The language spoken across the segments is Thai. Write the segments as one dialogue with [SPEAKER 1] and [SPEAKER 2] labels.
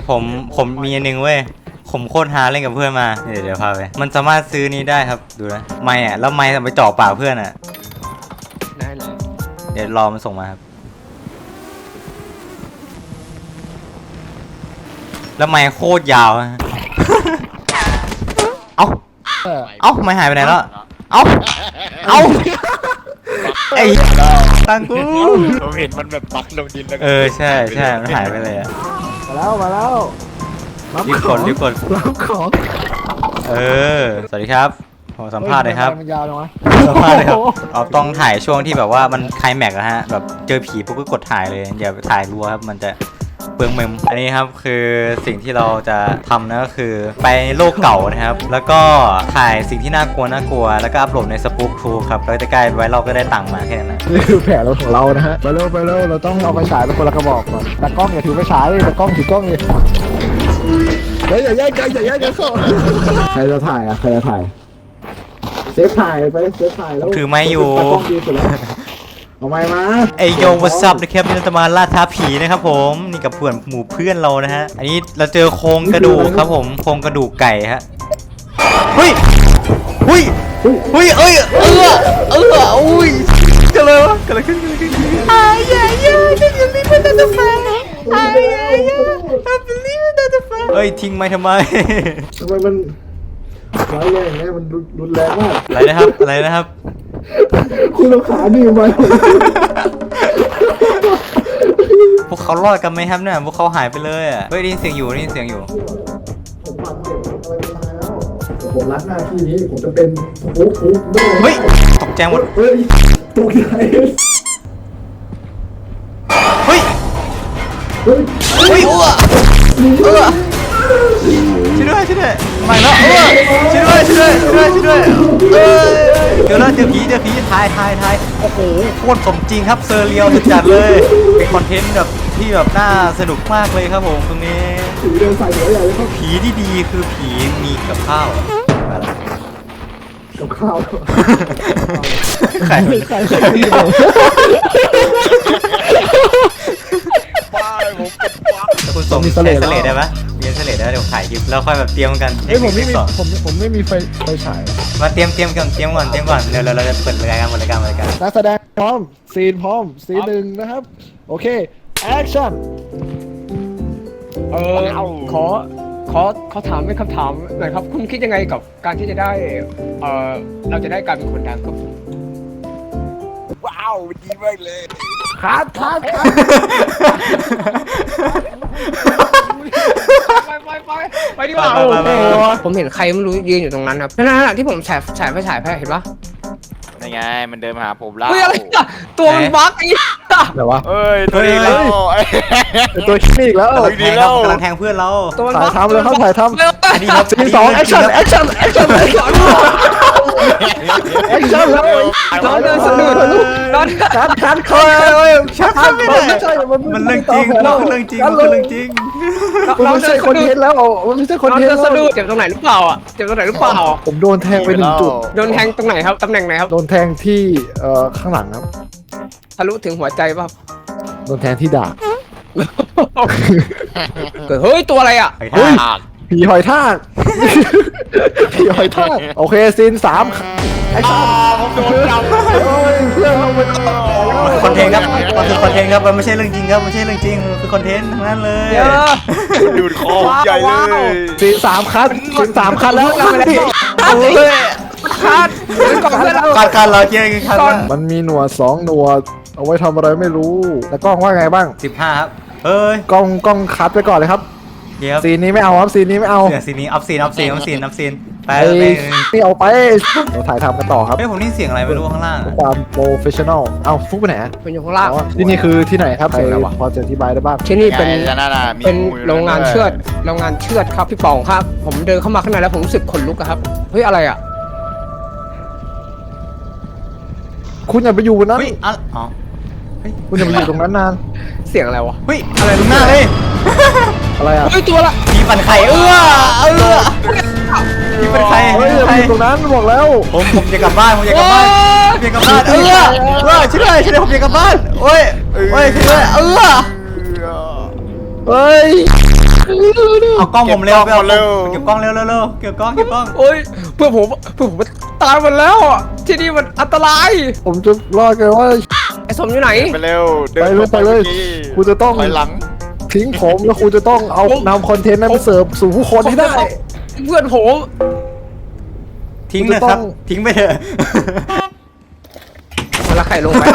[SPEAKER 1] ผมมีอันนึงเว้ยผมโคตรฮาเล่นกับเพื่อนมาเดี๋ยวพาไปมันสามารถซื้อนี้ได้ครับดูนะไม้อะแล้วไม้ทำไปจ่อปากเพื่อนอะ
[SPEAKER 2] ได้เลย
[SPEAKER 1] เดี๋ยวรอมันส่งมาครับแล้วไม้โคตรยาวฮะ เอ้าไม่หายไปไหนแล้วเอ้าไอ้ตังกู
[SPEAKER 3] ผมเห็นมันแบบปักลงดินแล้ว
[SPEAKER 1] ใช่มันหายไปเลยอะ
[SPEAKER 4] มาแล้ว
[SPEAKER 1] รีบกด
[SPEAKER 4] รับของ
[SPEAKER 1] สวัสดีครับผมสัมภาษณ์เลยครับ
[SPEAKER 4] มันยาวจังวะ
[SPEAKER 1] สัมภาษณ์เลยครับเราต้องถ่ายช่วงที่แบบว่ามันไคลแม็กซ์อะฮะแบบเจอผีปุ๊บก็กดถ่ายเลยอย่าถ่ายรัวครับมันจะเปลืองเมมอันนี้ครับคือสิ่งที่เราจะทำนะก็คือไปโลกเก่านะครับแล้วก็ถ่ายสิ่งที่น่ากลัวแล้วก็อัพโหลดในสปู๊กทูครับแล้วจะใกล้ไว้เราก็ได้ตังค์มาแค่นั้น
[SPEAKER 4] นี่คือแผนของเรานะฮะไปเร็วเราต้องเอาไปฉายเป็นคนละกระบอกก่อนแต่กล้องอย่าถือไปฉายเลยแต่กล้องถือกล้องเลยอย่าแย่งกันเข้าใครจะถ่ายเซฟถ่ายแล้ว
[SPEAKER 1] ถือไม้อยู่
[SPEAKER 4] เอาไม้มา
[SPEAKER 1] ไอโยวัซับนะครับนี่เราจะมาล่าท้าผีนะครับผมนี่กับเพื่อนหมู่เพื่อนเรานะฮะอันนี้เราเจอโครงกระดูกครับผมโครงกระดูกไก่ฮะเฮ้ยอุ้ยอุ้ยกันเลยวะกันเลยขึ้นเฮ้ยทิ้งไม้ทำไม
[SPEAKER 4] มันร้ายแรงเนี่ยมันรุนแรงมาก
[SPEAKER 1] อะไรนะครับ
[SPEAKER 4] คุณเราขาดีไหม
[SPEAKER 1] พวกเขารอดกันไหมครับเนี่ยพวกเขาหายไปเลยอ่ะเฮ้ยได้ยินเสียงอยู่
[SPEAKER 4] ผมรักหน้าที่นี้ผมจะเป็นฟุก
[SPEAKER 1] เฮ้ยตกใจหมด
[SPEAKER 4] ตกใจ
[SPEAKER 1] เฮ้ยช่วยด้วยมาแล้วช่วยด้วยเจอแล้วเจอผีถ่ายโอ้โหโคตรสมจริงครับเซอร์เรียลจัดเลยเป็นคอนเทนต์แบบที่แบบน่าสนุกมากเลยครับผมตรงนี้ผีที่ดีคือผีมีกับข้าวไข่คุณสมมีเสลดได้ปะมีเสลดได้เดี๋ยวถ่ายคลิปแล้วค่อยแบบเตรียมกัน
[SPEAKER 4] ผมไม่มีไฟฉาย
[SPEAKER 1] มาเตรียมก่อนเดี๋ยวเราจะเปิดรายการ
[SPEAKER 4] นักแสดงพร้อมซีนหนึ่งนะครับโอเคแอคชั่น
[SPEAKER 2] ขอถามเป็นคำถามหน่อยครับคุณคิดยังไงกับการที่จะได้เราจะได้การเป็นคนดังครับ
[SPEAKER 3] ว้าวดีมากเลย
[SPEAKER 4] คัด
[SPEAKER 2] ไปดีกว่าผมเห็นใครไม่รู้ยืนอยู่ตรงนั้นครับนั่นที่ผมฉายไฟฉายเห็นปะ
[SPEAKER 3] นี่ไงมันเดินมาหาผมแล้ว
[SPEAKER 2] อะไรตัวมันบั๊กไอ้
[SPEAKER 4] อะไรวะ
[SPEAKER 3] ตัวนี้แล้ว
[SPEAKER 4] ตัวขี้อีกแล้ว
[SPEAKER 1] กำลังแทงเพื่อนเรา
[SPEAKER 4] ถ่ายทำเลยครับถ่ายทำ
[SPEAKER 1] อันนี้ครับ
[SPEAKER 4] ซีน2แอคชั่นแล้ว
[SPEAKER 2] นอนเดินสะดุดนอน
[SPEAKER 4] คัดคอย
[SPEAKER 1] ไม่ใช่มันเรื่องจริงมันไม่
[SPEAKER 4] ใช่คอนเทนต์แล้วมันไม่ใช่คอนเทนต์
[SPEAKER 2] สะดุดเจ็บตรงไหนหรือเปล่า
[SPEAKER 4] ผมโดนแทงไป1 จุด
[SPEAKER 2] โดนแทงตรงไหนครับตำแหน่งไหนครับ
[SPEAKER 4] โดนแทงที่ข้างหลังครับ
[SPEAKER 2] ทะลุถึงหัวใจป่ะ
[SPEAKER 4] โดนแทงที่ดาบ
[SPEAKER 2] เฮ้ยตัวอะไรอ่ะ
[SPEAKER 4] ผีหอยทากโอเคซีน3แอคชั่น
[SPEAKER 3] ผมโดนจับ
[SPEAKER 4] เพื่อนเราไป
[SPEAKER 1] คอนเทนต์ครับมันคือคอนเทนต์ครับมันไม่ใช่เรื่องจริงครับไม่ใช่เรื่องจริงคือคอนเทนต์ทั้งนั้นเลย
[SPEAKER 3] ดูดคอใหญ่เลย
[SPEAKER 4] ซีน3คัดแล้ว
[SPEAKER 2] คัด
[SPEAKER 1] เราเจอกันคัด
[SPEAKER 4] มันมีหนวด2 หนวดเอาไว้ทำอะไรไม่รู้แล้วกล้องว่าไงบ้าง
[SPEAKER 1] 15ครับ
[SPEAKER 4] กล้องคัดไปก่อนเลยครับซีนนี้ไม่เอาครับซีนนี้
[SPEAKER 1] อัพซีนไป
[SPEAKER 4] ไม่เอาไปเราถ่ายทำกันต่อครับ
[SPEAKER 1] ผมนี่เสียงอะไรไม่รู้ข้างล่าง
[SPEAKER 4] ความโปรเฟชชั่นอลเอาฟุกไปไหน
[SPEAKER 2] เป็นอยู่ข้างล่าง
[SPEAKER 4] ที่นี่คือที่ไหนครับพอจะอธิบายได้บ้าง
[SPEAKER 2] ที่นี่เป็นโรงงานเชือดครับพี่ป๋องครับผมเดินเข้ามาข้างในแล้วผมรู้สึกขนลุกครับเฮ้ยอะไรอ่ะ
[SPEAKER 4] คุณอย่าไปอยู่นั้นคุณอย่าไปอยู่ตรงนั้นนาน
[SPEAKER 2] เสียงอะไรวะ
[SPEAKER 1] เฮ้ยอะไรตรงหน้าเลย
[SPEAKER 4] อะไรอ่ะ
[SPEAKER 2] เฮ้ยตัวละ
[SPEAKER 1] ผีปั่นไข่ผีปั่นไข่
[SPEAKER 4] ตรงนั้นบอกแล้ว
[SPEAKER 1] ผมจะกลับบ้านช่วยด้วยผมจะกลับบ้านช่วยด้วย
[SPEAKER 4] เฮ้ย
[SPEAKER 1] เอากล้องผมเร็วไปเอา
[SPEAKER 3] เร็ว
[SPEAKER 1] เก็บกล้องเร็วเก็บกล้อง
[SPEAKER 2] โอ้ยเพื่อนผมตายหมดแล้วอะที่นี่มันอันตราย
[SPEAKER 4] ผมจะรอดกันว่า
[SPEAKER 2] ไอ้สมอยู่ไหน
[SPEAKER 3] ไปเร็ว
[SPEAKER 4] ไปเลยคุณจะต้อง
[SPEAKER 3] ถอยหลัง
[SPEAKER 4] ทิ้งผมแล้วคุณจะต้องเอานำคอนเทนต์นั้นไปเสิร์ฟสู่ผู้คนให้ได้
[SPEAKER 2] เพื่อนผม
[SPEAKER 1] ทิ้งเลยครับ ทิ้งไปเถอะ
[SPEAKER 2] เวลาไข่ลงไป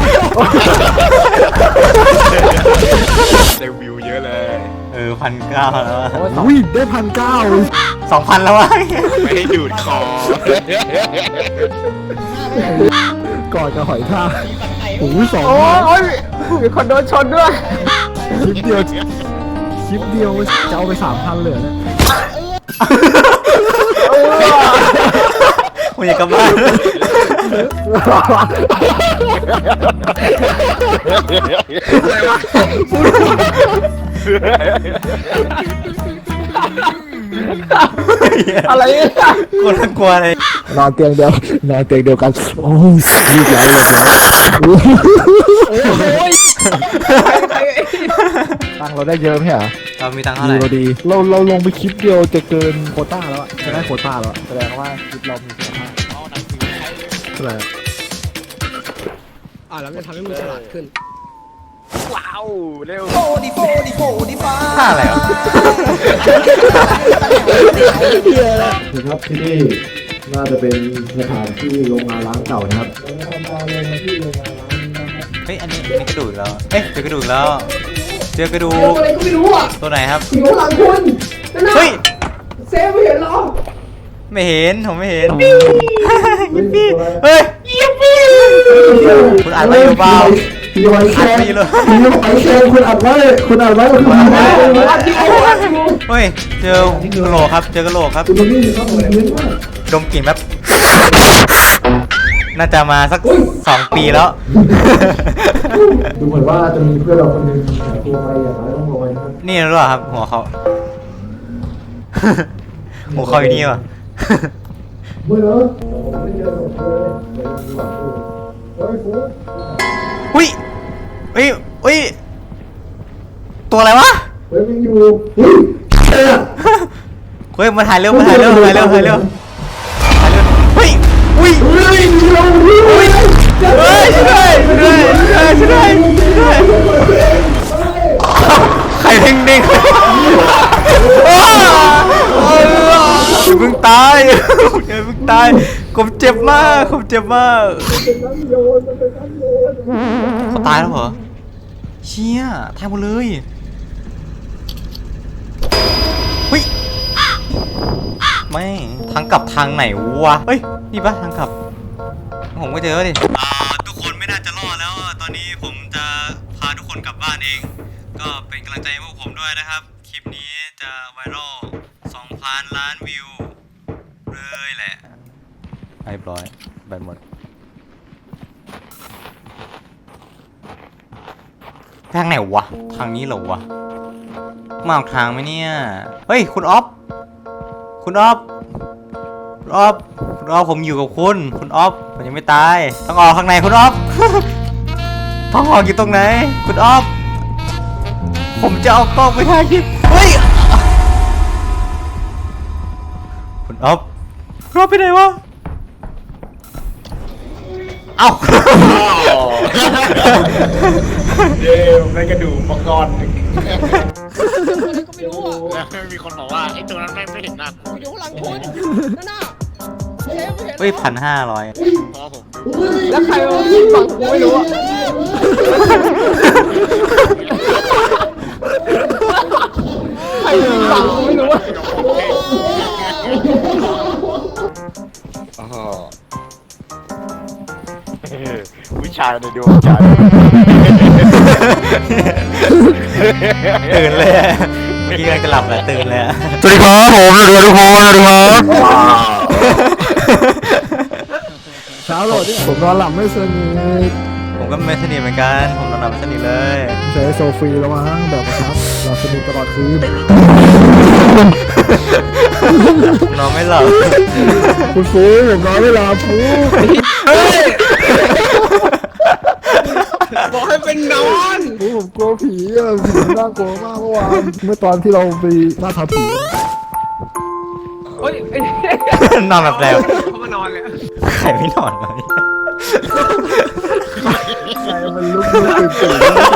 [SPEAKER 3] ได้วิวเยอะเลย
[SPEAKER 1] 1,900แล้วอะ
[SPEAKER 4] อุ้ยได้1,900
[SPEAKER 1] 2,000แล้ววะ
[SPEAKER 3] ไม่ให้ดูดคอ
[SPEAKER 4] ก่อนจะหอยทากโอ้ย2,000
[SPEAKER 2] โอ้ยมีคนโดนชนด้วย
[SPEAKER 4] คลิปเดียวจะเอาไป 3,000เลยเนี่ย
[SPEAKER 1] ผมอยากกลับบ้าน
[SPEAKER 2] อะไรเนี่ย
[SPEAKER 1] คนน่ากลัวเลย
[SPEAKER 4] นอนเตียงเดียวกันโอ้ยรีบไหลเลย
[SPEAKER 2] โอ้ย
[SPEAKER 4] ตังค์เราได้เยอะไหมเหรอ
[SPEAKER 1] เรามีตังค์เท่าไหร่
[SPEAKER 4] ดีเราลงไปคลิปเดียวจะเกินโควต้าแล้วอะจะได้โควต้าแล้วแสดงว่าคลิปเรามีคุณภาพเท่าไหร่อะ
[SPEAKER 2] แล้วมันทำให้มึงฉลาดขึ้น
[SPEAKER 3] ว้าวเร็ว
[SPEAKER 1] ค่าอะไรอ่ะ
[SPEAKER 4] ครับที่นี่น่าจะเป็นสถานที่โรงงานล้างเก่านะครับ
[SPEAKER 1] เฮ้ย อันนี้มีกระดูกอีกแล้ว เอ้ย เจอกระดูกแล้ว เจอกระดูก
[SPEAKER 2] อะไรก็ไม่รู้อ่ะ
[SPEAKER 1] ตัวไหนครับ
[SPEAKER 2] อยู่หลังคุณนั่นน่ะ
[SPEAKER 1] เฮ้ย
[SPEAKER 2] เซฟไม่เห็นหรอ
[SPEAKER 1] ไม่เห็น ผมไม่เห็นยิปปี้เฮ้ยยิปปี้คุณอ่านไว้อยู่เปล่า
[SPEAKER 4] พี่ไว้แชร์
[SPEAKER 1] ไม่อยู่เลย
[SPEAKER 4] พี่ไว้แชร์คุณอัดไว้คุณอัดไว้คุณอัดไว้
[SPEAKER 1] เฮ้ย เจอกระโหลกครับ เจอกระโหลกครับ
[SPEAKER 4] คุณนี่ครับผมเห็นว่า
[SPEAKER 1] ดมกลิ่นแบบ น่าจะมาสัก2 ปีแล้ว
[SPEAKER 4] ดูเหมือนว่าจะมีเพื่อนเราคนหนึงหายตัวไปอย่างไรต้องระวังนะครับ
[SPEAKER 1] นี่หรือเปล่าครับ หัวเขา หัวเขาอยู่นี่ว่ะ
[SPEAKER 4] เมื่อแล้วผมไม่เจอศพเลยเดี๋ยวมีหวังอยู่เฮ้ยฟู
[SPEAKER 1] อุ้ยอุ้ยอุ้ยตัวอะไรวะ
[SPEAKER 4] เฮ้ยมันอยู่เฮ้ยเอ๊ะ
[SPEAKER 1] เฮ้ยมาถ่ายเร็วมาถ่ายเร็วถ่ายเร็วถ่ายเร็วถ่ายเร็วเฮ้ยอุ้ย
[SPEAKER 4] เฮ้ยมีเราเฮ้ย
[SPEAKER 1] เฮ้ยช่วยด้วยช่วยด้วยช่วยด้วยช่วยด้วยใครเด้งเด้งอย่าเพิ่งตายอย่าเพิ่งตายผมเจ็บมากผมเจ็บมากเขาตายแล้วเหรอเชี่ยตายหมดเลยเฮ้ยไม่ทางกลับทางไหนวะเฮ้ยนี่ปะทางกลับผมก็เจอดิทุกคนไม่น่าจะรอดแล้วตอนนี้ผมจะพาทุกคนกลับบ้านเองก็เป็นกำลังใจให้พวกผมด้วยนะครับคลิปนี้จะไวรัล2,000 ล้านวิวเลยแหละเรียบร้อยแบตหมดทางไหนวะทางนี้เหรอวะมาออกทางไหมเนี่ยเฮ้ยคุณออฟคุณออฟคุณออฟคุณออฟผมอยู่กับคุณออฟผมยังไม่ตายต้องออกข้างในคุณออฟ ต้องออกอยู่ตรงไหนคุณออฟผมจะเอากล้องไปถ่ายคลิปเฮ้ยคุณออฟคุณออฟไปไหนวะเอ้า
[SPEAKER 3] เดี๋ยวในกระดูกมังกร
[SPEAKER 2] อะไรก็ไม่รู้อ่ะ
[SPEAKER 3] มีคนบอกว่าไอ้ตัวนั้นไม่เห็นหน้ากู
[SPEAKER 2] อยู่หลังคุณนั่นน่ะเซฟไม่เห็น
[SPEAKER 1] เฮ้ย1,500
[SPEAKER 3] เพราะผม
[SPEAKER 2] แล้วใครมายิงฝั่งกูไม่รู้อ่ะใครยิงฝั่งกูไม่รู้อ่ะ
[SPEAKER 3] วิชาในดวงใจ
[SPEAKER 1] ตื่นเลยอะเมื่อกี้กำลังจะหลับแหละตื่นเลยอะ
[SPEAKER 4] สวัสดีครับผมสวัสดีทุกคนสวัสดีครับเช้าโหลดที่ผมนอนหลับไม่สนิท
[SPEAKER 1] ผมก็ไม่สนิทเหมือนกันผมนอนหลับไม่สนิทเลย
[SPEAKER 4] ใช้โซฟีแล้วมั้งแบบครับหลับสนิทตลอดคืน
[SPEAKER 1] ผมนอนไม่หลับ
[SPEAKER 4] คุณฟูผมนอนไม่หลับฟู
[SPEAKER 2] บอกให้เป็นนอน
[SPEAKER 4] ผมกลัวผีอ่ะผีน่ากลัวมากเมื่อวานเมื่อตอนที่เราไปล่าท้าผี
[SPEAKER 2] เฮ้ย
[SPEAKER 1] นอนแบบแล้ว
[SPEAKER 2] เขามานอนเลย
[SPEAKER 1] ใครไม่นอนวะเนี่ย
[SPEAKER 4] ใครมันลุกตื่น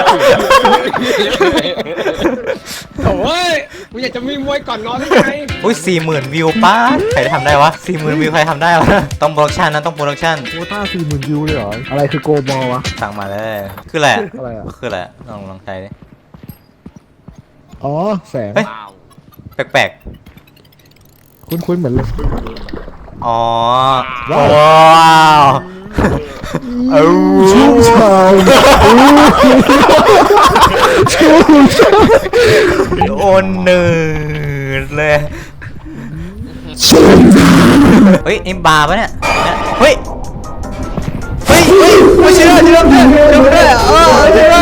[SPEAKER 2] โอ้ยกูอยากจะมีมวยก่อนนอนได้ไง
[SPEAKER 1] อุ้ย40,000 วิวป้าใครทำได้วะ 40,000 วิวใครทำได้วะ ต้องโปรดักชันนะต้องโปรดักชัน
[SPEAKER 4] โควต้า40,000 วิวเลยเหรออะไรคือโกบอลวะ
[SPEAKER 1] สั่งมาเลย คืออะไรอะ
[SPEAKER 4] อะไรอ่ะ
[SPEAKER 1] คืออะไรอะลองใช้ดิ
[SPEAKER 4] อ๋อแสง
[SPEAKER 1] เฮ้ย แปลก
[SPEAKER 4] คุ้นๆเหมือนเลย
[SPEAKER 1] ๆ อ๋อ
[SPEAKER 4] ว้าว
[SPEAKER 1] ว้าวเอา
[SPEAKER 4] ชุ่มฉ่ำชุ่มฉ่
[SPEAKER 1] โอนเนืดเลย เฮ้ยนี่บาร์ปะเนี่ย เฮ้ย เฮ้ยไม่เชื่อเชื่อด้วยเออเชื่อ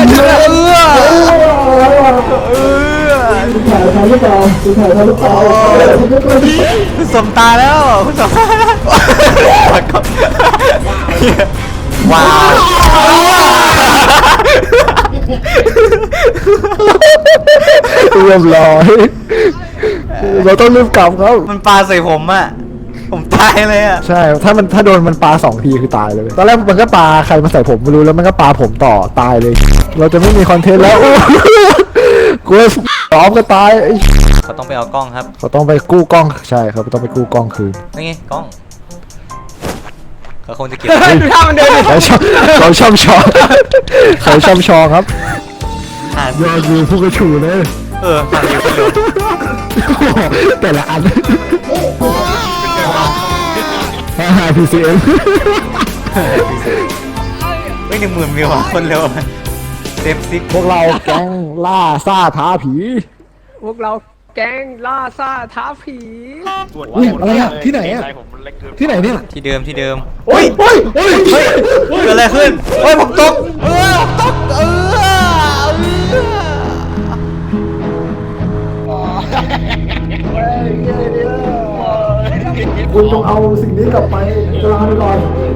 [SPEAKER 1] คุณสมตาแล้วคุณสมตาว้าว
[SPEAKER 4] เรียบร้อยเราต้องรีบกลับครับ
[SPEAKER 1] มันปาใส่ผมอะผมตายเลยอะ
[SPEAKER 4] ใช่ถ้าโดนมันปา2 ทีคือตายเลย ตอนแรกมันก็ปาใครมาใส่ผมไม่รู้แล้วมันก็ปาผมต่อตายเลย เราจะไม่มีคอนเทนต์แล้วกูซ้อมก็ตาย
[SPEAKER 1] เขาต้องไปเอากล้องครับ
[SPEAKER 4] เขาต้องไปกู้กล้องใช่ครับต้องไปกู้กล้องคืน
[SPEAKER 1] นี่ไงกล้องเขาคงจะเก็บ
[SPEAKER 2] ดูท่ามันเดินดิ
[SPEAKER 4] เขาชอบชองเขาชอบชองครับ
[SPEAKER 1] ผ่าน
[SPEAKER 4] ยอดวิวผู้กระฉูเลย
[SPEAKER 1] ผ่านอยู่คนเดียว
[SPEAKER 4] แต่ละอันPCM
[SPEAKER 1] เฮ้ย10,000 วิวอะคนเร็วเซฟซิก
[SPEAKER 4] พวกเราแก๊งล่าซ่าท้าผี
[SPEAKER 2] พวกเราแก๊งล่าซ่าท้าผี
[SPEAKER 4] อุ๊ยอะไรอะที่ไหนอะ ที่ไหนเนี่ย
[SPEAKER 1] ที่เดิม
[SPEAKER 4] โอ้ยโอ้ยโอ้ย
[SPEAKER 1] เฮ้ยเกิดอะไรขึ้นเฮ้ยผมตก
[SPEAKER 4] คุณต้องเอาสิ่งนี้กลับไปลาไปก่อน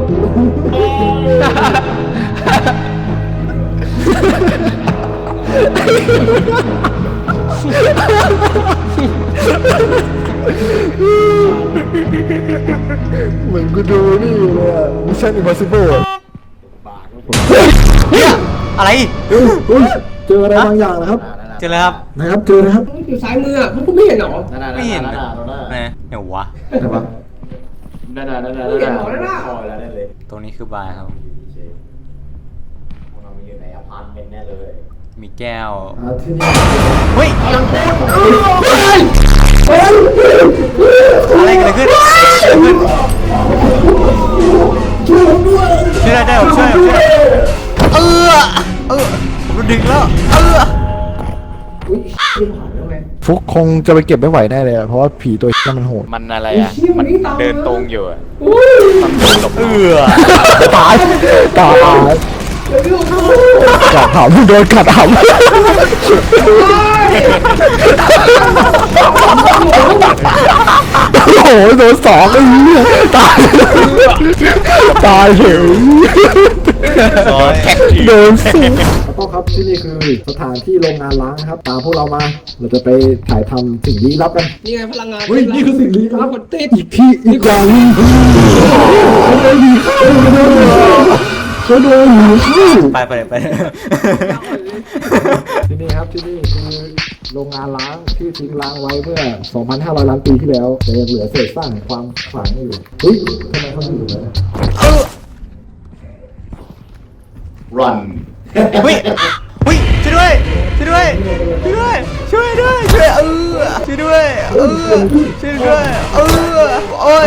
[SPEAKER 4] เหมือนกูดูนี่เลยอะ Mission Impossible อะ
[SPEAKER 1] เนี่ยอะไร
[SPEAKER 4] อุ๊ยเจออะไรบางอย่างนะครับ
[SPEAKER 1] เจอแล้วครับ
[SPEAKER 4] นะครับเจอนะครับ
[SPEAKER 2] อยู่ซ้ายมืออ่ะพวกคุณไม่เห็นเหรอ
[SPEAKER 1] ไม่เห็นนะเดี๋ยววะ
[SPEAKER 4] ไหนวะ
[SPEAKER 2] ไม่เห็นเหรอนั่นน่ะ
[SPEAKER 1] ตรงนี้คือบาร์ครับ มีแก้ว
[SPEAKER 4] ที่นี่
[SPEAKER 1] เฮ้ยอะไรกันขึ้นช่วยได้ผมช่วยผมดึงแล้ว
[SPEAKER 4] ฟุกคงจะไปเก็บไม่ไหวแน่เลยอะเพราะว่าผีตัวนั้นมันโหด
[SPEAKER 3] มันอะไรอ่ะ มันเดินตรงอยู่อ่ะ
[SPEAKER 4] ตายตายกัดหำโดนกัดหำโอ้โหโดน2ไอ้เหี้ยตายตายเฉยโดนสูต้องครับที่นี่คือสถานที่โรงงานล้างครับตามพวกเรามาเราจะไปถ่ายทำสิ่งลี้ลับกัน
[SPEAKER 2] นี่ไงพลังงาน
[SPEAKER 4] เฮ้ยนี่คือสิ่งลี้ลับ
[SPEAKER 2] คนติด
[SPEAKER 4] อีกที่อีกอย่างหนึงเขาโดนหนีเข้า
[SPEAKER 1] ไป
[SPEAKER 4] ที่นี่ครับที่นี่คือโรงงานล้างที่ทิ้งล้างไว้เมื่อ 2,500 ล้านปีที่แล้วแต่ยังเหลือเศษซากแห่งความขลังอยู่เฮ้ยทำไมเขาอยู่เลย
[SPEAKER 3] run
[SPEAKER 1] เฮ้ยช่วยด้วยช่วยด้วยช่วยด้วยช่วยด้วยโอ้ย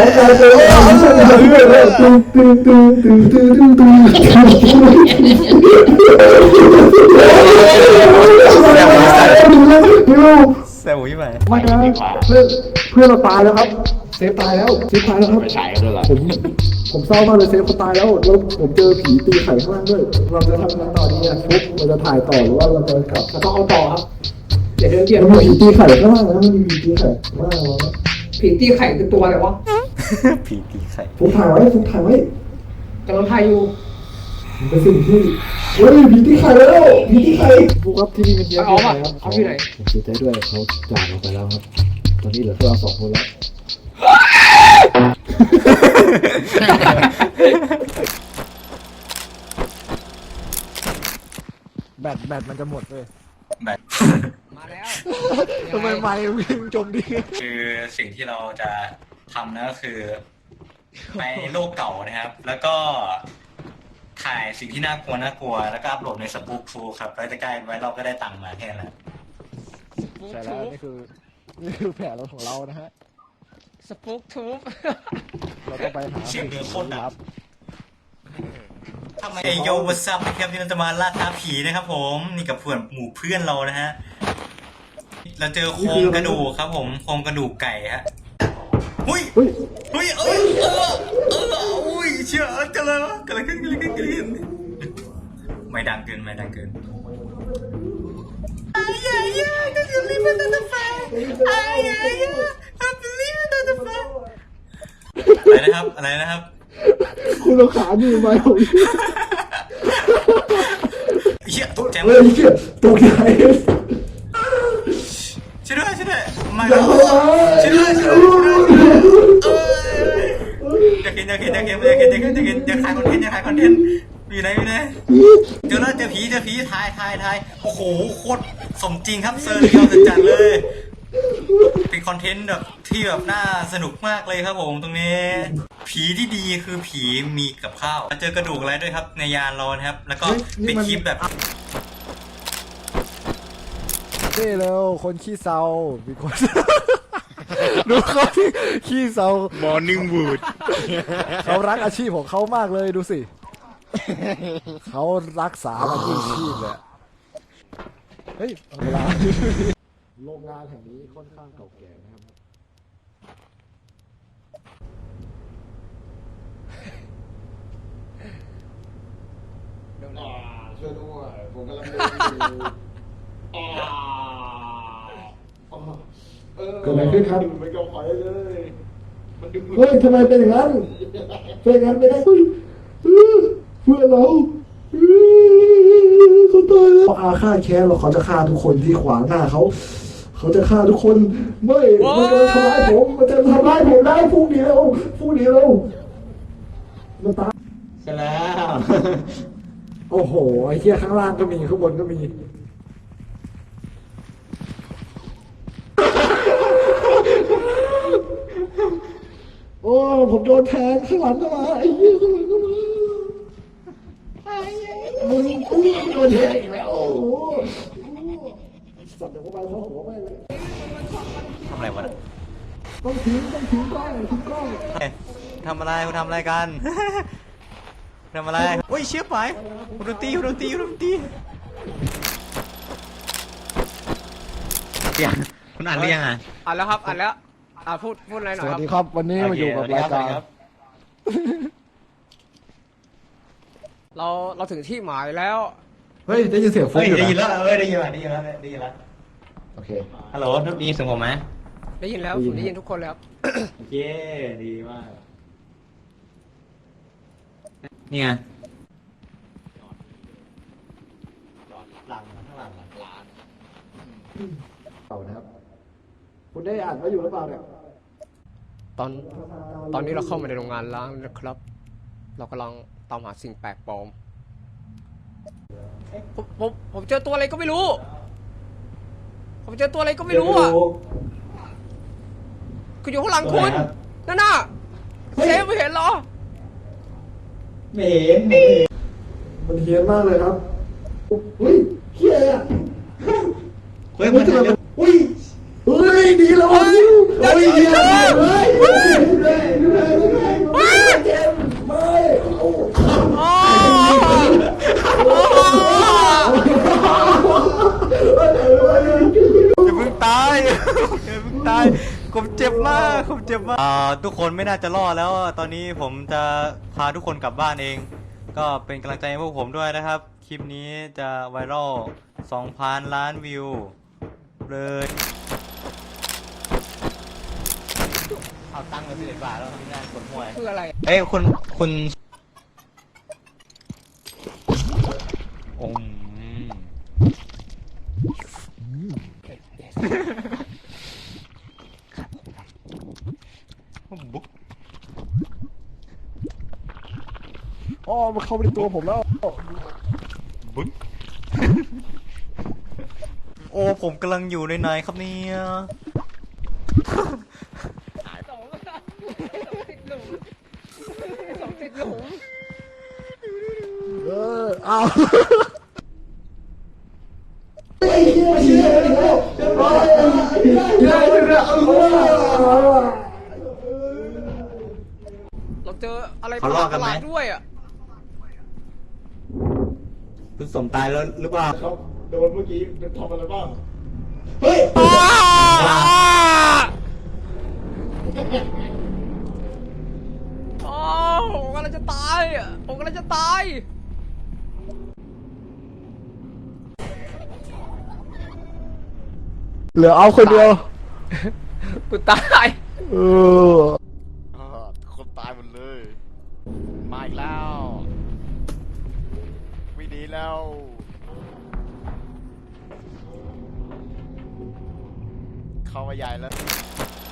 [SPEAKER 1] แซวยี่ไหม
[SPEAKER 4] ไม่นะเพื่อนเราตายแล้วครับเซฟตายแล้วครับ
[SPEAKER 3] ไปฉายกันด้วยล่ะ
[SPEAKER 4] ผมเศร้ามากเลยเซฟเขาตายแล้วผมเจอผีตีไข่ข้างล่างด้วยเราจะทำงานต่อดีอ่ะฟุกเราจะถ่ายต่อหรือว่าเราจะกลับ
[SPEAKER 2] เราต้องเอาต่อครับเดี๋ยวเดินเกี่ยว
[SPEAKER 4] มันมีผีตีไข่ข้างล่างนะมันมีผีตีไข่ข้างล่างนะ
[SPEAKER 2] ผีตีไข่คือตัวอะไรวะ
[SPEAKER 1] ผีตีไข่
[SPEAKER 4] ฟุกถ่ายไว้
[SPEAKER 2] กำลังถ่ายอยู่
[SPEAKER 4] มันเป็นสิ่งที่เฮ้ยผีที่ใครแล้วผีที่ใครพวกครับที่นี่มันเยอะ
[SPEAKER 2] เอามา
[SPEAKER 4] ครับ
[SPEAKER 2] เอาที่ไหน
[SPEAKER 4] ผมเสียใจด้วยเขาจากเราไปแล้วครับ ตอนนี้เหลือแค่เรา2 คนแล้วแบตมันจะหมดเลย
[SPEAKER 2] มาแล้ว
[SPEAKER 4] ทำไมไม่วิ่งจมดิ
[SPEAKER 1] คือสิ่งที่เราจะทำนะก็คือไปโลกเก่านะครับ แล้วก็ถ่ายสิ่งที่น่ากลัวแล้วก็อัพโหลดในสปู๊คฟูครับแล้วจะใกล้ไว้เราก็ได้ตังค์มาแค่นั้นแหละ
[SPEAKER 4] ใช่แล้วนี่คือแผนเราของเรานะฮะ
[SPEAKER 2] สปุกทูบ
[SPEAKER 4] เราต้องไปหา
[SPEAKER 1] เสียงเรือโคตรดัง
[SPEAKER 4] ครับ
[SPEAKER 1] ทำไมไอโยวัซับนะครับที่เราจะมาล่าท้าผีนะครับผมนี่กับเพื่อนหมู่เพื่อนเรานะฮะเราเจอโครงกระดูกครับผมโครงกระดูกไก่ฮะหุ้ย
[SPEAKER 4] เฮ้ย
[SPEAKER 1] อุ้ยอุ้ยเชื่อจะเลยวะกันเลยขึ้นไม่ดังเกินอะไรนะครับ
[SPEAKER 4] คุณเราขาดีไหมผม
[SPEAKER 1] เชี่ยตกใจ
[SPEAKER 4] เฮ้ยเชี่ยตกใจ
[SPEAKER 1] ช่วยด้วยมา
[SPEAKER 4] อย่าเข้ามา
[SPEAKER 1] ช่วยด้วยอยากเห็นถ่ายคอนเทนต์อยู่ไหนเจอแล้วเจอผีถ่ายโอ้โหโคตรสมจริงครับเซอร์เรียลจัดเลย เป็นคอนเทนต์แบบที่แบบน่าสนุกมากเลยครับผมตรงนี้ ผีที่ดีคือผีมีกับข้าวเจอกระดูกอะไรด้วยครับในยานเรานะครับ แล้วก็เป็นคลิปแบบ
[SPEAKER 4] เจ้เร็วคนขี้เศร้ามีคน ดูเขาที่ขี้เศร้าม
[SPEAKER 3] อร์นิ่งวูด
[SPEAKER 4] เขารักอาชีพของเขามากเลยดูสิ เขารักษาอาชีพเลยเฮ้ยเอาเวลาโรงงานแห่งนี้ค่อนข้างเก่าแก่นะครับช่วยด้วยผมกำลังเดินอยู่เกิดอะไรขึ้นครับมันก็ไปเลยเฮ้ยทำไมเป็นอย่างนั้นเป็นอย่างนั้นไม่ได้เพื่อนเราเขาตายแล้วเขาอาฆาตแค้นเราเขาจะฆ่าทุกคนที่ขวางหน้าเขาจะฆ่าทุกคนไม่มันจะทำร้ายผมมันจะทำร้ายผมได้พรุ่งนี้แล้วมันตาย
[SPEAKER 1] ใช่แล้ว
[SPEAKER 4] โอ้โหไอ้เหี้ยข้างล่างก็มีข้างบนก็มีโอ้ผมโดนแทงข้างหลังก็มาไอ้เหี้ยข้างหลังก็มามึงโดนแทงอีกแล้วโอ้โหสัตว์เดี๋ยวก็ไปเข้าหัวไปเลย
[SPEAKER 1] ทำอะไรวะ
[SPEAKER 4] ต้องทิ้งกล้องทิ้งกล้อง
[SPEAKER 1] ทำอะไรคุณทำอะไรกัน ทำอะไรโอ้ยเชี่ยไปคุณดนตรีคุณอ่านเรียงอ่ะ
[SPEAKER 2] อ่านแล้วครับอ่านแล้วพูดอะไรหน่
[SPEAKER 4] ส
[SPEAKER 2] อย
[SPEAKER 4] วั
[SPEAKER 2] ค
[SPEAKER 4] ส
[SPEAKER 2] รับ
[SPEAKER 4] ดีครับวันนี้มาอยู่กับรายการ
[SPEAKER 2] เราถึงที่หมายแล้ว
[SPEAKER 4] เฮ้ยได้ยินเสียงฟุ้งอยู่
[SPEAKER 1] ได้ยิน
[SPEAKER 4] นะ
[SPEAKER 1] แล้วได้ยินแล้ว
[SPEAKER 4] โอเค
[SPEAKER 1] ฮัลโหลทุกทีเสียงผมไหม
[SPEAKER 2] ได้ยินแล้วผมได้ยินทุกคนเลยครับ
[SPEAKER 1] โอเคดีมากนี่ไงหลังข้างหลัง
[SPEAKER 4] เอานะครับคุณได้อ่านไว้อยู่หรือเปล่าเนี่ย
[SPEAKER 2] ตอนนี้เราเข้ามาในโรงงานล้างนะครับ เรากำลังตามหาสิ่งแปลกปลอมผมเจอตัวอะไรก็ไม่รู้ ผมเจอตัวอะไรก็ไม่รู้อ่ะคืออยู่ข้างหลังคุณนั่นน่ะเซฟไม่เห็นเหรอ
[SPEAKER 1] ไม่เห็น
[SPEAKER 4] มันเฮี้ยนมากเลยครับอุ้ยเฮี้ยอะ
[SPEAKER 1] เฮ้ยมันจะ
[SPEAKER 4] อุ้ยเฮ้ยดีแล้วเฮ้ยเฮี้ยเฮ้ยเจ็บไม่
[SPEAKER 1] อย่าเพิ่งตายผมเจ็บมากทุกคนไม่น่าจะรอดแล้วตอนนี้ผมจะพาทุกคนกลับบ้านเอง ก็เป็นกำลังใจให้พวกผมด้วยนะครับคลิปนี้จะไวรัล 2,000 ล้านวิวเลยเอาตังค์มา11 บาทแล้วทำงานกดมวย
[SPEAKER 2] คืออะไร
[SPEAKER 1] เอ้ยคุณ
[SPEAKER 3] อม
[SPEAKER 1] บุ๊ก
[SPEAKER 4] อ๋อมันเข้าไปในตัวผมแล้ว
[SPEAKER 1] บุ๊ก โอ้ผมกำลังอยู่ในไหนครับเนี่ย
[SPEAKER 2] สองติดหลุมสองติดหลุม
[SPEAKER 4] เอา
[SPEAKER 2] เราเจออะไรประหลาดด้วยอ่ะ
[SPEAKER 1] คุณสมตายแล้วหรือเปล่า
[SPEAKER 4] โดนเมื่อกี้เป็นทำอะไรบ้าง
[SPEAKER 2] อ๋อผมกำลังจะตายอ่ะผมกำลังจะตาย
[SPEAKER 4] เหลือเอาคนเดียว
[SPEAKER 2] กูตาย
[SPEAKER 4] เออ
[SPEAKER 3] คนตายหมดเลย มาอีกแล้วไม่ดีแล้ว เข้ามาใหญ่แล้ว